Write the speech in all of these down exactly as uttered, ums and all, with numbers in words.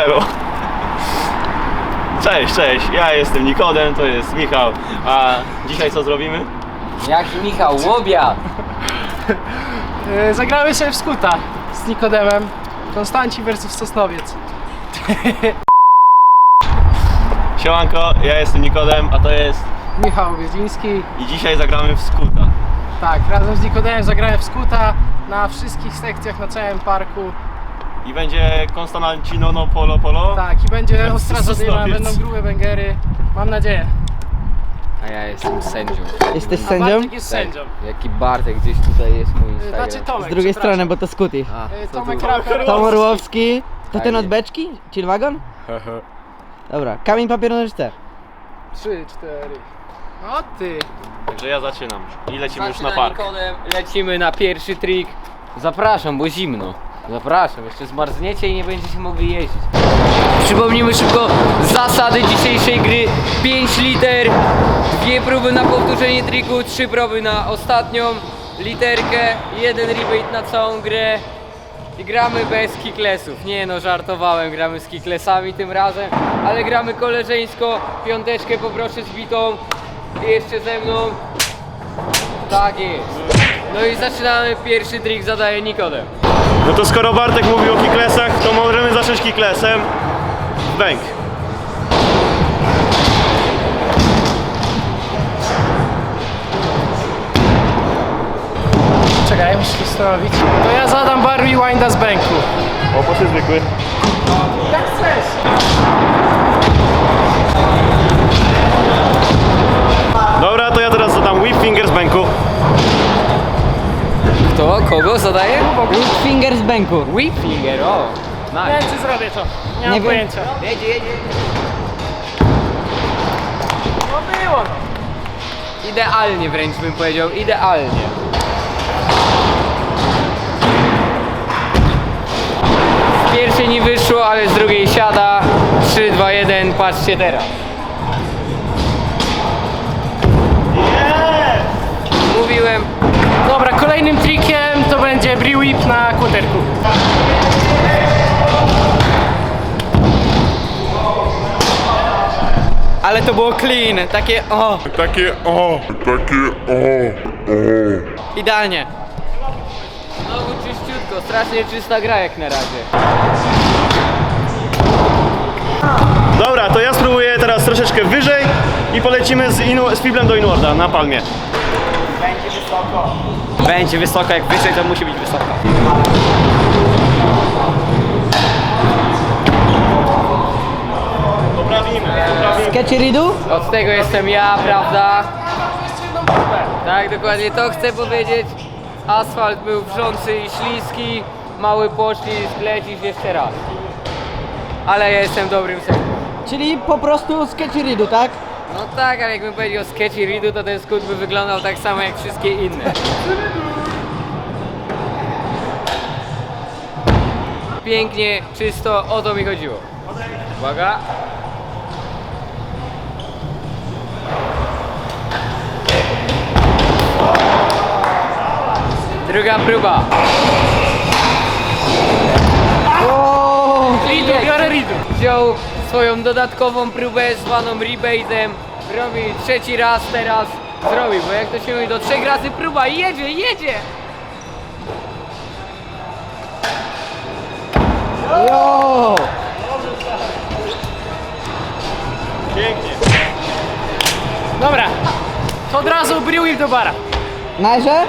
elo. Cześć, cześć, ja jestem Nikodem, to jest Michał, a dzisiaj co zrobimy? Jaki Michał, łobiat! Zagramy sobie w skuta z Nikodemem. Konstanci versus Sosnowiec. Siemanko, ja jestem Nikodem, a to jest... Michał Wiedziński. I dzisiaj zagramy w skuta. Tak, razem z Nikodemem zagrałem w skuta na wszystkich sekcjach na całym parku. I będzie Konstancino no polo polo. Tak, i będzie Versus ostra zadyma, Sosnowiec. będą grube bęgery. Mam nadzieję. A ja jestem sędzią. Jesteś A sędzią? Bartek jest sędzią. Jaki Bartek, gdzieś tutaj jest mój Instagram. Znaczy Tomek, Z drugiej przepraszam. strony, bo to Skuty. A, Y, co Tomek tu? Raper. Tom Orłowski. To Tak ten od jest. beczki? Chillwagon? Dobra, kamień, papier, nożyce. Trzy, cztery. O ty. Także ja zaczynam i lecimy już na Zaczyna park. Nikodem, lecimy na pierwszy trik. Zapraszam, bo zimno. Zapraszam, jeszcze zmarzniecie i nie będziecie mogli jeździć. Przypomnijmy szybko zasady dzisiejszej gry. pięć liter, dwie próby na powtórzenie triku, trzy próby na ostatnią literkę, jeden rebate na całą grę. I gramy bez kicklessów. Nie no, żartowałem, gramy z kicklessami tym razem, ale gramy koleżeńsko. Piąteczkę poproszę zbitą i jeszcze ze mną. Tak jest. No i zaczynamy, pierwszy trik zadaje Nikodem. No to skoro Bartek mówił o kicklessach, to możemy zacząć kicklessem. Bęk. Czekaj, muszę się zastanowić. To ja zadam bar rewinda z bęku. O, poszły zwykły. Jak chcesz. Dobra, to ja teraz zadam whip finger z bęku. Kto? Kogo zadaje? Whip finger z bęku. Whip finger, o! Nie wiem, Nice. czy zrobię to. Nie Nie mam wiem. pojęcia. Jedzie, jedzie. No było. Idealnie wręcz bym powiedział, idealnie. Z pierwszej nie wyszło, ale z drugiej siada. trzy, dwa, jeden, patrzcie teraz. Mówiłem. Dobra, kolejnym trikiem to będzie Bree Whip na kłoterku. Ale to było clean, takie o, Takie o, takie o, o. idealnie. Znowu czyściutko, strasznie czysta gra jak na razie. Dobra, to ja spróbuję teraz troszeczkę wyżej i polecimy z, inu, z fiblem do inwarda na palmie. Będzie wysoko. Będzie wysoko, jak wyżej to musi być wysoko. Poprawimy, poprawimy. Sketcheridu? Od tego jestem ja, prawda? Tak, dokładnie to chcę powiedzieć. Asfalt był wrzący i śliski, mały poślizg, lecisz jeszcze raz. Ale ja jestem dobrym sędzią. Czyli po prostu sketcheridu, tak? No tak, ale jakbym powiedział sketchy ridu, to ten skut by wyglądał tak samo jak wszystkie inne. Pięknie, czysto, o to mi chodziło. Uwaga. Druga próba. O, Ridu, biorę Ridu. Wziął swoją dodatkową próbę zwaną rebate'em. Robi trzeci raz teraz. Zrobi, bo jak to się mówi, do trzech razy próba i jedzie, jedzie! jo. Pięknie. Dobra, to od razu Bree Whip do bara. Najże?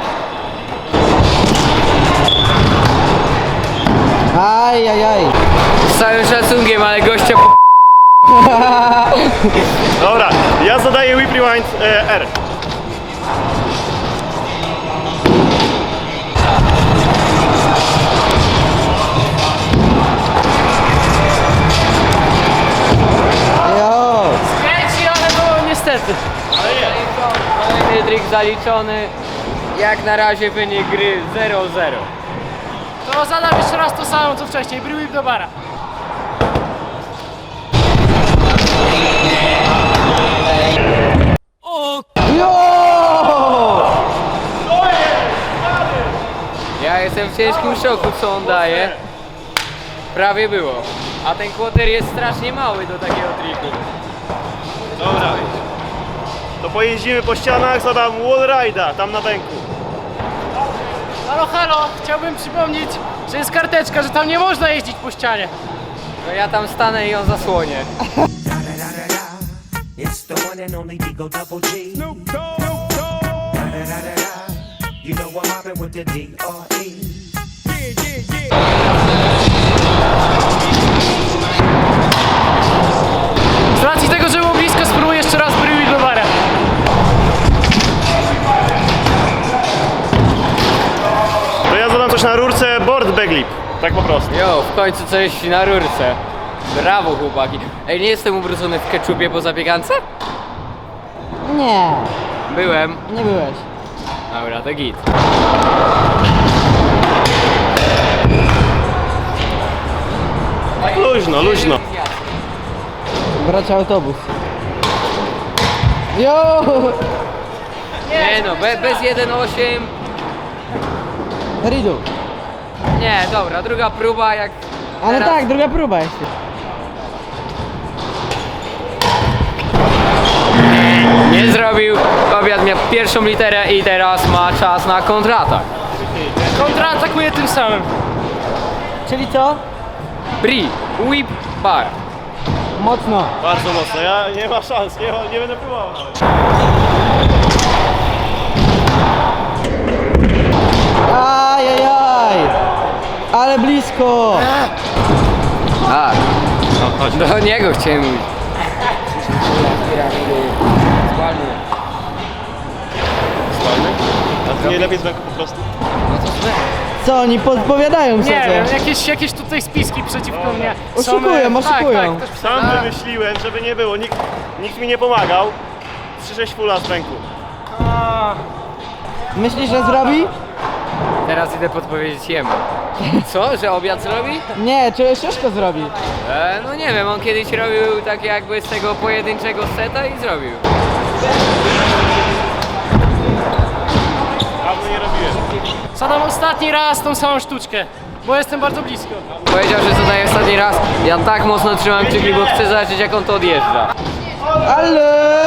Aj, aj, aj. Z całym szacunkiem, ale gościa po... Dobra, ja zadaję whip rewind e, R. Jo. Kręci, ale było niestety. Kolejny trik zaliczony. Jak na razie wynik gry zero zero. To zadam jeszcze raz to samo co wcześniej. Bree Whip do bara. Jo. Ja jestem w ciężkim szoku, co on daje. Prawie było. A ten quarter jest strasznie mały do takiego triku. Dobra. To pojeździmy po ścianach, zadam wallride'a tam na bęku. Halo, halo, chciałbym przypomnieć, że jest karteczka, że tam nie można jeździć po ścianie. To ja tam stanę i ją zasłonię. It's the one and only Digo Double G. Snoop Dogg. Da-da-da-da-da. You know I'm mobbing with the D R E. Z racji tego, że było blisko, spróbuję jeszcze raz Brie Wheelbarem. To ja zadam coś na rurce board baglip. Tak po prostu. Jo, w końcu coś na rurce. Brawo chłopaki. Ej, nie jestem ubrudzony w keczupie po zapiekance? Nie, Byłem. nie byłeś. Dobra, to git. Luźno, luźno. Bracia autobus. Jo! Nie no, be, bez jeden osiem. Ridu. Nie, dobra, druga próba jak... Ale teraz- tak, druga próba jeszcze. Nie zrobił. Obiad miał pierwszą literę i teraz ma czas na kontratak. Kontraatakuję tym samym. Czyli co? Brie, whip, bar. Mocno. Bardzo mocno. Ja nie ma szans, nie, ma, nie będę próbował nawet. Ajajaj! Ale blisko! A, do niego chciałem mówić. A to nie lepiej z bęku po prostu? Co oni podpowiadają Nie sobie? wiem, jakieś, jakieś tutaj spiski przeciwko mnie. są, Oszukują, e, oszukują. Tak, tak, ktoś Sam przeda- wymyśliłem, żeby nie było. Nikt, nikt mi nie pomagał. trzy sześć fulla z bęku. A, Myślisz, że zrobi? Teraz idę podpowiedzieć jemu. Co? Że obiad zrobi? Nie, czy Szyszko zrobi? E, no nie wiem, on kiedyś robił tak jakby z tego pojedynczego seta i zrobił. Dawno nie robiłem. zadam ostatni raz tą samą sztuczkę, bo jestem bardzo blisko. Powiedział, że zadaje ostatni raz. Ja tak mocno trzymam kciuki, bo chcę zobaczyć jak on to odjeżdża. Ale!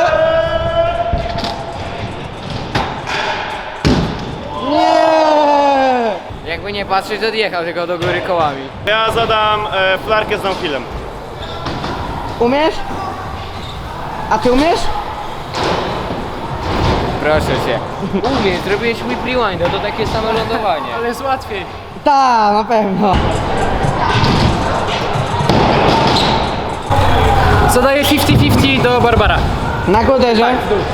Nie! Jakby nie patrzeć, to odjechał tylko do góry kołami. Ja zadam e, flarkę z downhillem. Umiesz? A ty umiesz? Proszę cię. Umiesz, zrobiłeś whip rewinda, to takie same lądowanie. Ale jest łatwiej. Ta, na pewno. Zadaję pięćdziesiąt pięćdziesiąt do Barbara. Na koderze.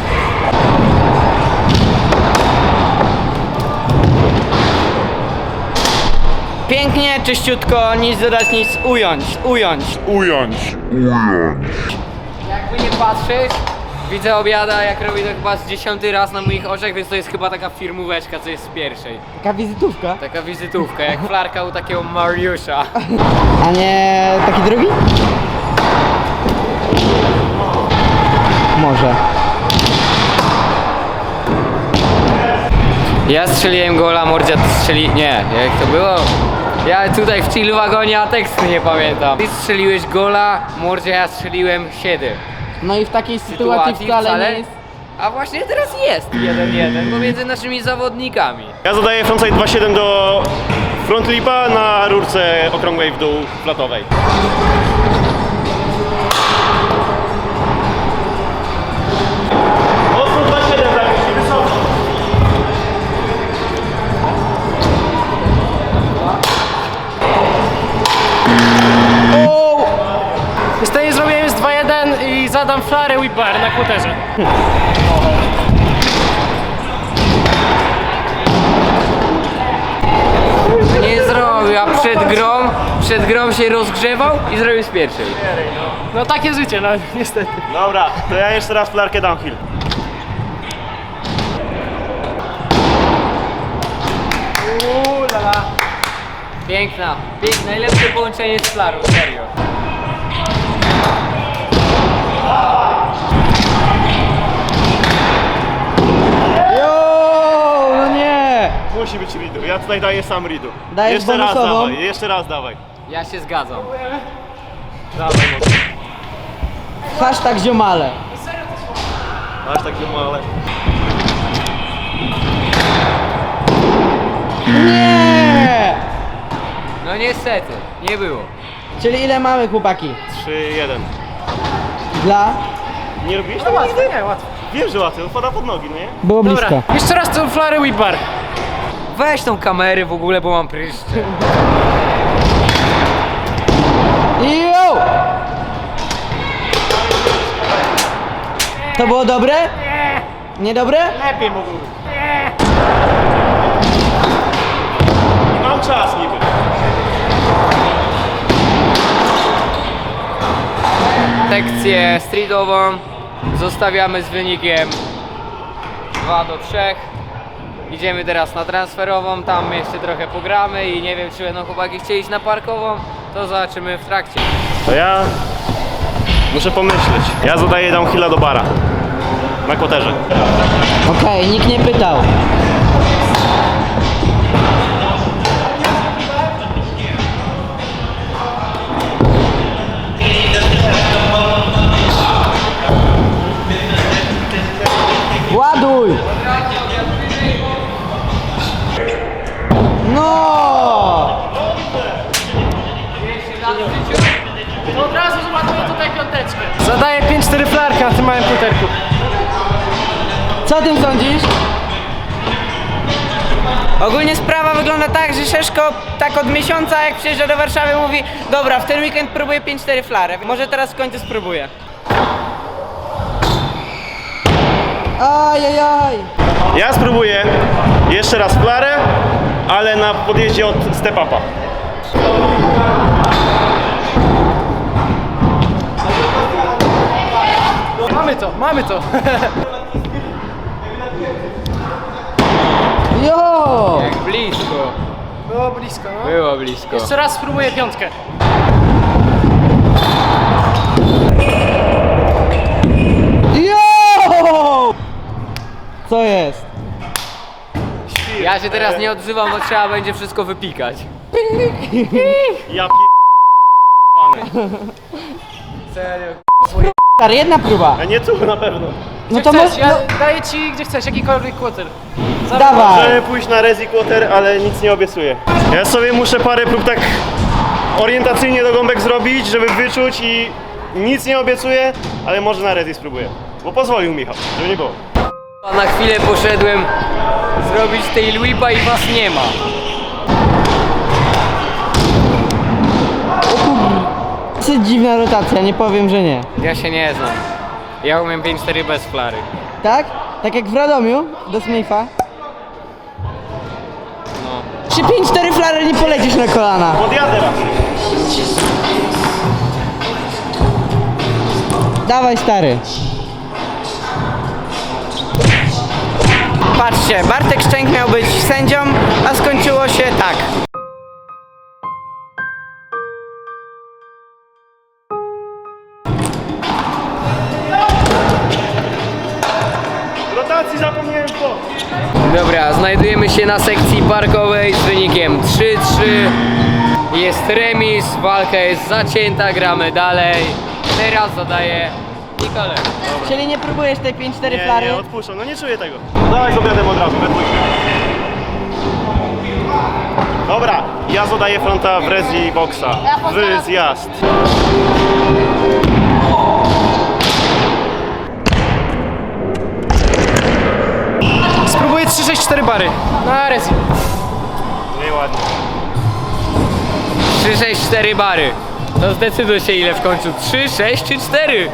Pięknie, czyściutko, nic dodać, nic ująć, ująć. Ująć. Ująć. Jakby nie patrzeć, widzę obiada, jak robi to chyba z dziesiąty raz na moich oczach, więc to jest chyba taka firmóweczka, co jest z pierwszej. Taka wizytówka. Taka wizytówka, jak flarka u takiego Mariusza. A nie taki drugi? Może. Ja strzeliłem gola, Mordzia strzeli... Nie, jak to było? Ja tutaj w chill wagonie, a tekstu nie pamiętam. Ty strzeliłeś gola, Mordzia, ja strzeliłem siedem. No i w takiej sytuacji wcale nie jest. A właśnie teraz jest jeden jeden pomiędzy naszymi zawodnikami. Ja zadaję frontside dwa siedem do front lipa na rurce okrągłej w dół flatowej. Mocno dwa siedem zapisz, wysoko. Niestety zrobiłem jest dwa jeden i zadam flarę whip bar na kłoterze. Nie zrobił, a przed grą, przed grą się rozgrzewał i zrobił z pierwszej. No takie życie, no niestety. Dobra, to ja jeszcze raz flarkę downhill. Uuu, lala. Piękna, piękna, najlepsze połączenie z flarą, serio. Jo, no nie! Musi być ridu. Ja tutaj daję sam ridu. Dajesz jeszcze raz bonusową? dawaj, jeszcze raz dawaj. Ja się zgadzam. Dawaj, mocno. Hashtag ziomale. Aż tak male. Nie! No niestety, nie było. Czyli ile mamy, chłopaki? trzy jeden. Dla? Nie robiłeś No tego łatwo, nigdy? nie, łatwo. Wiem, że łatwo, wpada pod nogi, no nie? Było Dobra, blisko. jeszcze raz tą flary whip bar. Weź tą kamerę w ogóle, bo mam pryszcze. Jo! To było dobre? Nie, Niedobre? lepiej mogło być. Mam czas niby. Sekcję streetową zostawiamy z wynikiem dwa do trzech. Idziemy teraz na transferową, tam jeszcze trochę pogramy i nie wiem, czy będą chłopaki chcieli iść na parkową, to zobaczymy w trakcie. To ja muszę pomyśleć. Ja zadaję downhilla do bara. Na kłoterze. Okej, nikt nie pytał. Ładuj! No! To od razu zobaczymy tutaj piąteczkę. Zadaję pięć cztery flarki na tym małym puterku. Co o tym sądzisz? Ogólnie sprawa wygląda tak, że Szeszko tak od miesiąca jak przyjeżdża do Warszawy mówi: dobra, w ten weekend próbuję pięć cztery flary, może teraz w końcu spróbuję. Ajajaj! Ja spróbuję jeszcze raz flarę, ale na podjeździe od step upa. Mamy to, mamy to. Jo! Jak blisko, Było blisko, no. było blisko. Jeszcze raz spróbuję piątkę. Jo! Co jest? Ja się teraz nie odzywam, bo trzeba będzie wszystko wypikać. Ja p... Serio. Stary, jedna próba. A nie tu na pewno. No Gdzie to chcesz, mo- ja no, daję ci gdzie chcesz, jakikolwiek quarter. dawaj. Możemy pójść na rezi quarter, ale nic nie obiecuję. Ja sobie muszę parę prób tak orientacyjnie do gąbek zrobić, żeby wyczuć i nic nie obiecuję, ale może na rezi spróbuję. Bo pozwolił Michał, żeby nie było. Na chwilę poszedłem zrobić tail whipa i was nie ma. Dosyć dziwna rotacja, nie powiem, że nie. Ja się nie znam. Ja umiem pięć cztery bez flary. Tak? Tak jak w Radomiu, do Smitha. No. Przy pięć cztery flary nie polecisz na kolana. Podjadę raczej. Dawaj, stary. Patrzcie, Bartek Szczęk miał być sędzią, a skończyło się tak. Rotacji zapomniałem po. Dobra, znajdujemy się na sekcji parkowej z wynikiem trzy trzy. Jest remis, walka jest zacięta, gramy dalej. Teraz zadaję Nikole. Czyli nie próbujesz tej pięć cztery Nie, flary? nie, odpuszczam, no nie czuję tego. Dawaj z obiadem od razu, we dwójkę. Dobra, ja zadaję fronta w rezi boxa. W zjazd. Spróbuję trzy sześć cztery bary. Na rezi. Nieładnie. trzy sześć cztery bary. To zdecyduj się ile w końcu. trzy, sześć czy cztery?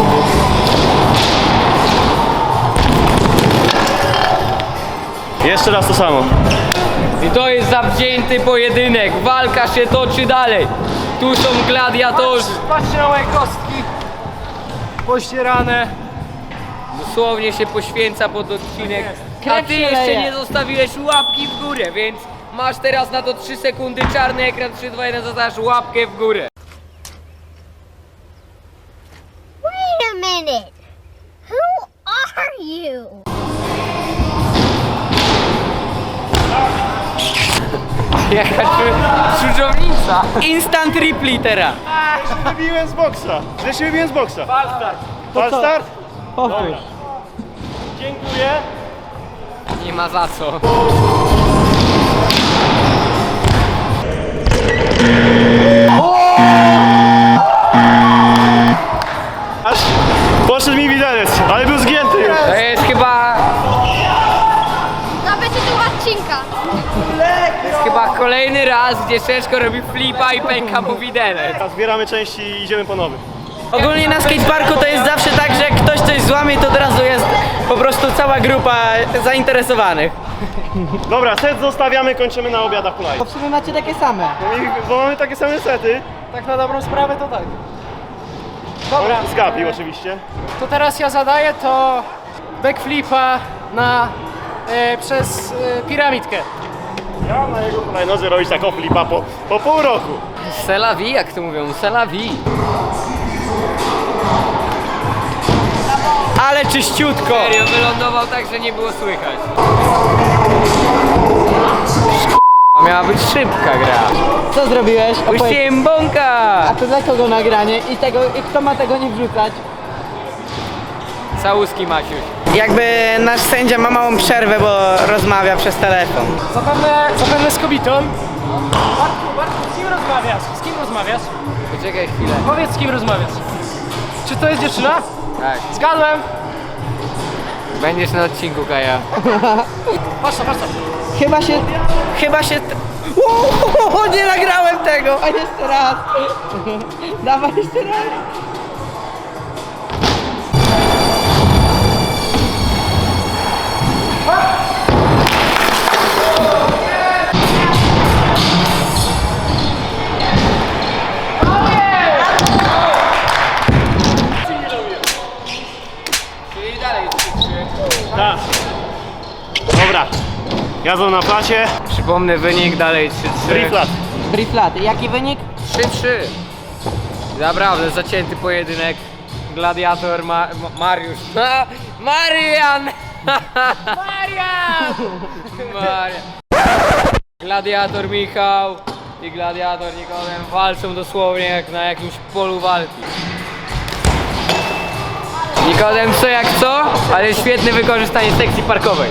Jeszcze raz to samo. I to jest zawzięty pojedynek. Walka się toczy dalej. Tu są gladiatorzy. Patrzcie na moje kostki. Pościerane. Dosłownie się poświęca pod odcinek. A Krew ty się jeszcze leje. nie zostawiłeś łapki w górę, więc masz teraz na to trzy sekundy, czarny ekran, trzy, dwa, jeden, zostawiasz łapkę w górę. Wait a minute. Who are you? Jaka czu- czużownica. Instant replitera. Że się wybiłem z boksa. Że się wybiłem z boksa. Fal start. Fal start? Powtórz. Dziękuję. Nie ma za co. Aż poszedł mi widelec, ale był zgięty już. To jest chyba, To będzie tu odcinka. chyba kolejny raz, gdzie Szeszko robi flipa i pęka mu widelec. Teraz zbieramy części i idziemy po nowy. Ogólnie na skateparku to jest zawsze tak, że jak ktoś coś złamie, to od razu jest po prostu cała grupa zainteresowanych. Dobra, set zostawiamy, kończymy na obiadach kolej. Bo w sumie macie takie same. Bo mamy takie same sety. Tak na dobrą sprawę to tak. Dobra, Z Gapi oczywiście. to teraz ja zadaję to backflipa na, e, przez e, piramidkę. Ja na jego hulajnodze robić taką flipa po, po pół roku. C'est la vie, jak to mówią, c'est la vie. Ale czyściutko. Serio, wylądował tak, że nie było słychać. Miała być szybka gra. Co zrobiłeś? Opowiedz. Puściłem bąka! A to dla kogo nagranie? I tego, i kto ma tego nie wrzucać? Całuski Maciuś. Jakby nasz sędzia ma małą przerwę, bo rozmawia przez telefon. Zapewne, zapewne z kobietą. Bartku, Bartku, z kim rozmawiasz? Z kim rozmawiasz? Poczekaj chwilę. Powiedz, z kim rozmawiasz. Czy to jest dziewczyna? Tak. Zgadłem. Będziesz na odcinku, Kaja. Patrz to, patrz to. Chyba się... Chyba się... Uuu, nie nagrałem tego! A jeszcze raz. Dawaj jeszcze raz. Czyli dalej Tak. Dobra. Jazdą na placie. Przypomnę wynik dalej trzy trzy. Free flat. Free flat. Jaki wynik? trzy trzy. Naprawdę zacięty pojedynek. Gladiator Ma Ma Mariusz. Ma Marian! Marian! Marian. Gladiator Michał i gladiator Nikodem walczą dosłownie jak na jakimś polu walki. Nikodem co jak co, ale świetne wykorzystanie sekcji parkowej.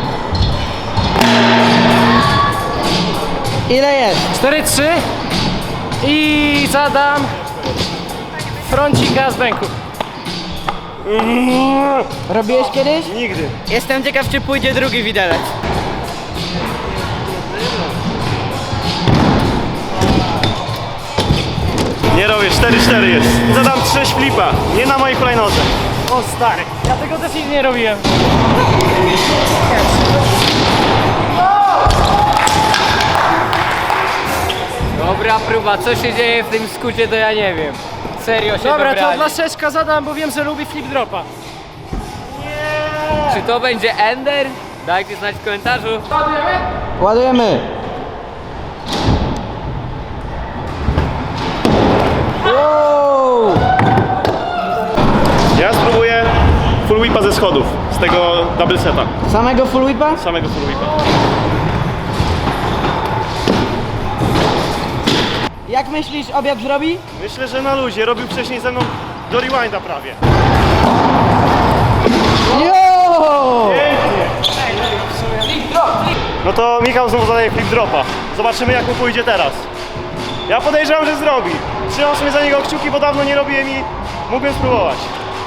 Ile jest? cztery trzy i zadam froncika z bęku. Robiłeś kiedyś? Nigdy. Jestem ciekaw, czy pójdzie drugi widelec. Nie robię, cztery cztery jest. Zadam trzy flipa, nie na mojej hulajnodze. O stary, ja tego też nigdy nie robiłem. Dobra próba, co się dzieje w tym skucie to ja nie wiem. Serio się Dobra, to dobrali. dla Szeszka zadam, bo wiem, że lubi flip dropa. Czy to będzie Ender? Dajcie znać w komentarzu. Ładujemy. Wow! Ja spróbuję full whipa ze schodów, z tego double seta. Samego full whipa? Samego full whipa. Jak myślisz, obiad zrobi? Myślę, że na luzie. Robił wcześniej ze mną do rewinda prawie. Jo! No to Michał znowu zadaje flip dropa. Zobaczymy jak mu pójdzie teraz. Ja podejrzewam, że zrobi. Trzymam sobie za niego kciuki, bo dawno nie robiłem i mógłbym spróbować.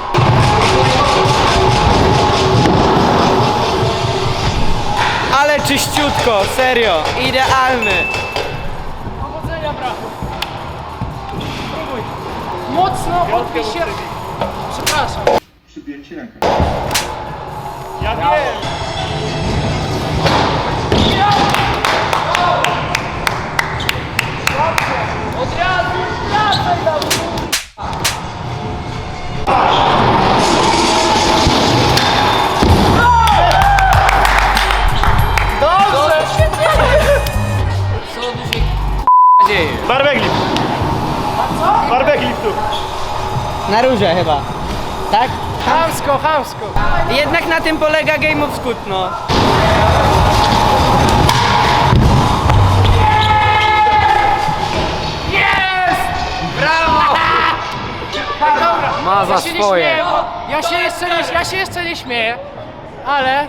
Ale czyściutko, serio, idealny. Powodzenia, brachu. Spróbuj. Mocno odbij się. Przepraszam. Ja wiem. Od razu wracaj do mnie. Dobrze! Co tu się k***a dzieje? Barbek lift. Barbek liftu. Na róże chyba. Tak? Chamsko, chamsko. Jednak na tym polega Game of Scoot, no. Dobra, Ma za ja się nie swoje. śmieję, bo ja się jeszcze nie, ja się jeszcze nie śmieję, ale...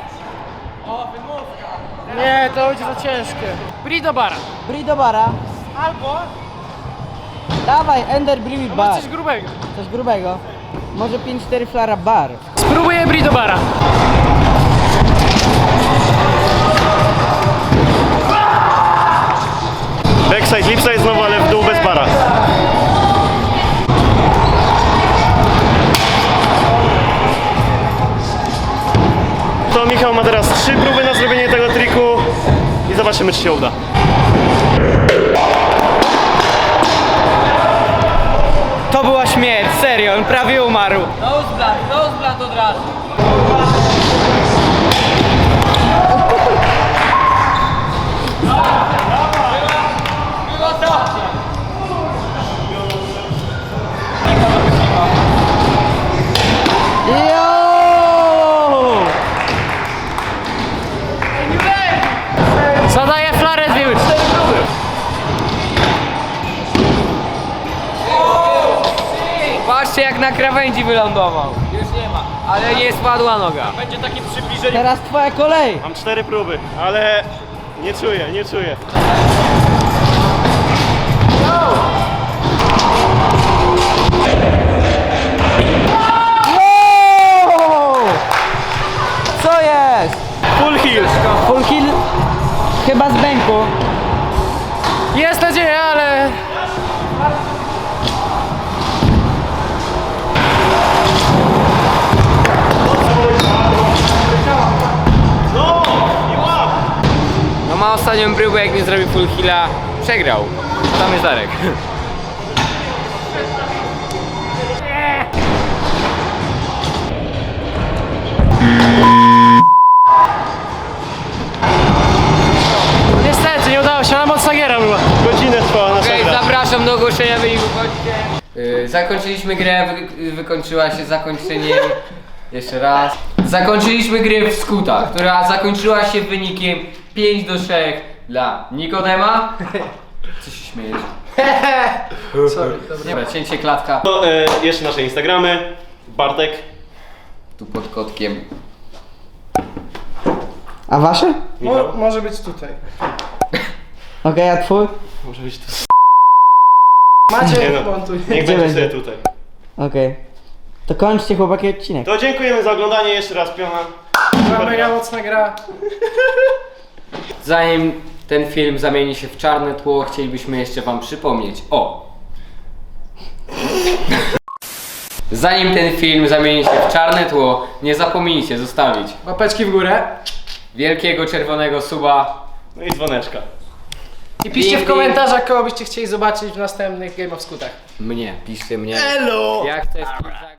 Nie, to będzie za ciężkie. Bri do bara. Bri do bara. Albo Dawaj, Ender Bri masz bar. coś grubego. Coś grubego. Może pięć cztery flara bar. Spróbuję bri do bara. Backside, lipside znowu, ale w dół bez bara. To Michał ma teraz trzy próby na zrobienie tego triku i zobaczymy, czy się uda. To była śmierć, serio, on prawie umarł. Nose blast, nose blast od razu. Jo! Zadaję flarę z wyłycz. Patrzcie jak na krawędzi wylądował. Już nie ma, ale nie spadła noga. Będzie takie przybliżenie. Teraz twoja kolej. Mam cztery próby, ale nie czuję, nie czuję. Wow! Co jest? Full heal. Full kill? Chyba z bęku. Jest nadzieja, ale... No ma ostatnią próbę, jak nie zrobił full heala, przegrał. Tam jest Darek. Niestety, nie udało się, ale mocna giera była. Godzinę trwała nasza Okej, gra. zapraszam do ogłoszenia wyniku. Chodźcie. Yy, zakończyliśmy grę, wy, wykończyła się zakończeniem. Jeszcze raz. Zakończyliśmy grę w Skuta, która zakończyła się wynikiem pięć do trzech dla Nikodema. Co się śmiejesz? Sorry, Dobra, cięcie klatka. To, e, jeszcze nasze Instagramy. Bartek. Tu pod kotkiem. A wasze? Michał. może być tutaj. Okej, a twój? Może być to. Macie, Nie no, montuj. niech Gdzie będzie będzie? sobie tutaj. Okej. To kończcie chłopaki odcinek. To dziękujemy za oglądanie jeszcze raz, piona. Była mega mocna gra. Zanim ten film zamieni się w czarne tło, chcielibyśmy jeszcze wam przypomnieć o... Zanim ten film zamieni się w czarne tło, nie zapomnijcie zostawić Łapeczki w górę. wielkiego czerwonego suba. No i dzwoneczka. I piszcie Ding, w komentarzach, kogo byście chcieli zobaczyć w następnych Game of Skutach. Mnie, piszcie mnie. Hello! Jak chcesz